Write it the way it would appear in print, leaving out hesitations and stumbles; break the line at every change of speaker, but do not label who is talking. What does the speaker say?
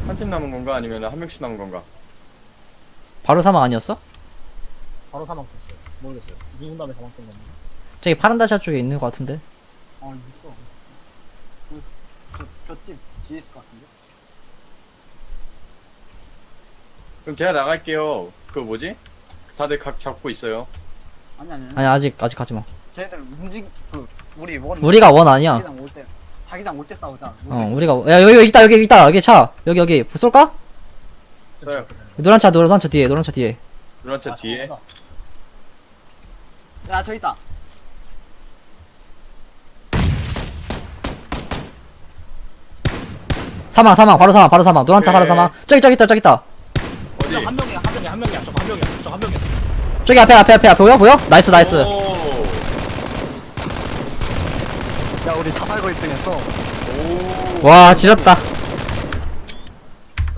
한 팀 남은 건가? 아니면 한 명씩 남은 건가?
바로 사망 아니었어?
바로 사망했어요. 모르겠어요. 누군 다음에 사망된 건데.
저기 파란 다시아 쪽에 있는 것 같은데.
있어. 저집 뒤에 있을 것 같은데?
그럼 제가 나갈게요. 그 뭐지? 다들 각 잡고 있어요.
아니 아직 가지마.
쟤네들 우리 원.
우리가 원 아니야.
자기장 올 때 싸우자.
우리가 야 여기 있다 여기 차 여기 쏠까?
써요.
노란 차 뒤에
노란 차 뒤에.
야, 저 있다.
사망 바로 사망 노란 차 바로
오케이.
사망. 저기 있다
어디?
한 명이야. 저 한 명이야.
저기 앞에 보여? 나이스
오.
야, 우리 다 살고 1등 했어.
오.
와 지렸다.